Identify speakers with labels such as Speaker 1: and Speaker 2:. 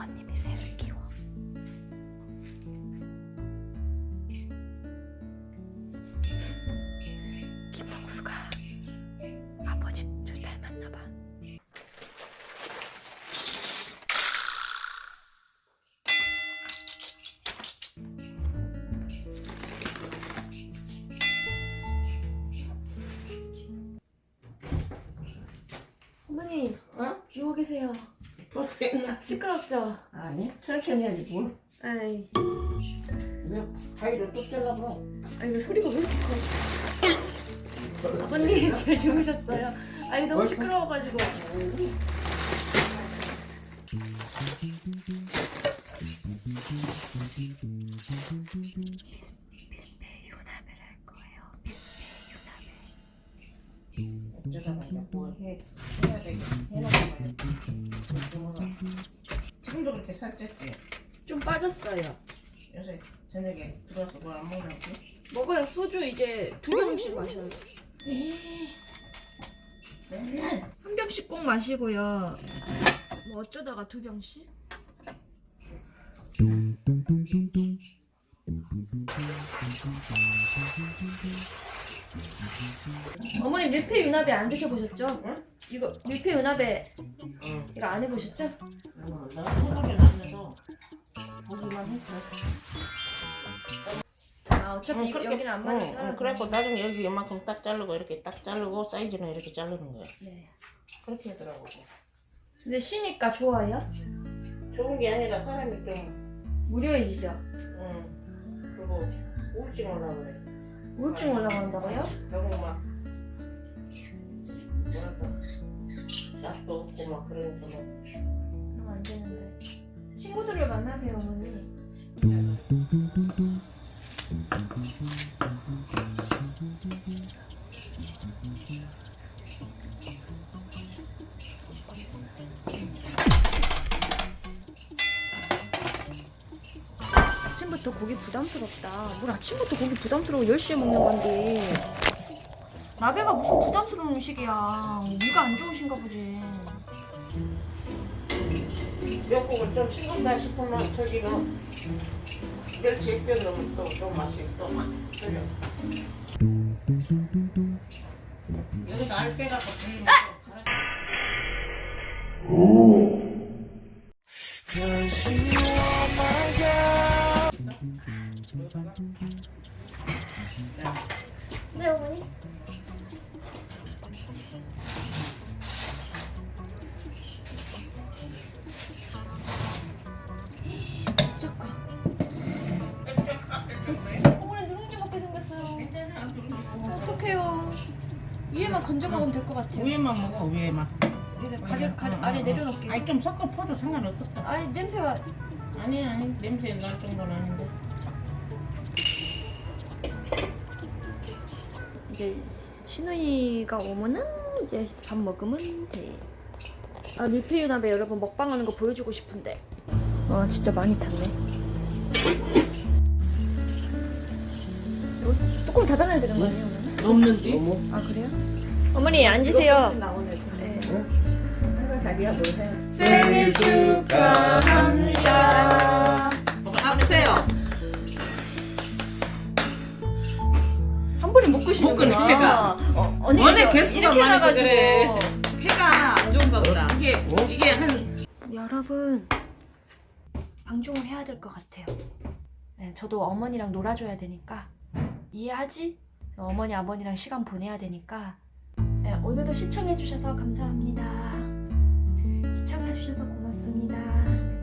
Speaker 1: 아버님이 새를 키워. 김성수가 아버지 좀 닮았나봐. 어머니, 누워 계세요.
Speaker 2: 벌써 했나?
Speaker 1: 시끄럽죠?
Speaker 2: 아니, 천천히 해야지 뭘.
Speaker 1: 에이,
Speaker 2: 왜 가위로 뚝 잘라버려.
Speaker 1: 이거 소리가 왜 이렇게 커? 아버님 잘 주무셨어요? 아니 너무 시끄러워가지고. 밀폐 유납을 할 거예요. 밀폐 유납을.
Speaker 2: 어쩌다가 이제 뭘 해야 되겠지. 해놔봐요. 지금도 그렇게 살쪘지?
Speaker 1: 좀 빠졌어요.
Speaker 2: 요새 저녁에 들어와서 뭘 안 먹냐고?
Speaker 1: 먹어요. 소주 이제 2병씩 마셔요.
Speaker 2: 맨날
Speaker 1: 한 병씩 꼭 마시고요. 뭐 어쩌다가 2병씩? 어머니 밀폐 유나베 안 드셔보셨죠?
Speaker 2: 응?
Speaker 1: 이거 밀폐 유나베
Speaker 2: 응.
Speaker 1: 이거 안 해보셨죠?
Speaker 2: 내가 해보진 않아서 보기만 했어.
Speaker 1: 아 어차피
Speaker 2: 응, 그렇게-
Speaker 1: 여기는 안 맞았잖아.
Speaker 2: 응, 그래갖고 나중에 여기 이만큼 딱 자르고 이렇게 딱 자르고 사이즈는 이렇게 자르는 거야.
Speaker 1: 네.
Speaker 2: 그렇게 하더라고.
Speaker 1: 근데 쉬니까 좋아요?
Speaker 2: 좋은 게 아니라 사람이 좀
Speaker 1: 무료이죠?
Speaker 2: 그리고 우울증 올라 그래.
Speaker 1: 우울증 올라간다고요?
Speaker 2: 너무 막 뭐랄까 낯도 없고 막 그러니까 막
Speaker 1: 그럼 안 되는데. 친구들을 만나세요, 어머니. 아침부터 고기 부담스럽다. 뭘 아침부터 고기 부담스러워 10시에 먹는 건데. 나베가 무슨 부담스러운 음식이야. 위가 안 좋으신가 보지.
Speaker 2: 미역국을 좀 싱겁다 싶으면 저기는 멸치 액젓 넣으면 또 맛이 또 틀려. 여기가 알빼갖고 들리면 또
Speaker 1: 네, 어머니. 잠깐. 어머니 누룽지 먹게 생겼어요. 어떡해요. 위에만 건져 먹으면 될 것 같아요.
Speaker 2: 위에만 먹어 위에만.
Speaker 1: 아래 내려놓을게요.
Speaker 2: 아니 좀 섞어 퍼도 상관없겠다.
Speaker 1: 아니 냄새가.
Speaker 2: 아니 냄새 날 정도는 아닌데.
Speaker 1: 이제 신우이가 오면은 이제 밥 먹으면 돼. 아 밀폐유나베 여러분 먹방하는 거 보여주고 싶은데. 와 진짜 많이 탔네. 이거 뚜껑 닫아놔야 되는 거 아니에요 오늘은?
Speaker 2: 없는데?
Speaker 1: 아 그래요? 어머니 앉으세요. 네.
Speaker 2: 자기야 뭐 해?
Speaker 1: 생일 축하합니다.
Speaker 2: 앞세요.
Speaker 1: 한 번에 못 끄시는구나.
Speaker 3: 못 끄네, 배가.
Speaker 1: 언니
Speaker 3: 원래
Speaker 1: 이거
Speaker 3: 개수가
Speaker 1: 이렇게
Speaker 3: 많아서
Speaker 1: 해놔가지고.
Speaker 3: 그래. 해가 안 좋은가 보다. 이게 한
Speaker 1: 여러분 방종을 해야 될 것 같아요. 네, 저도 어머니랑 놀아줘야 되니까 이해하지? 어머니 아버니랑 시간 보내야 되니까 네, 오늘도 시청해주셔서 감사합니다. 시청해주셔서 고맙습니다.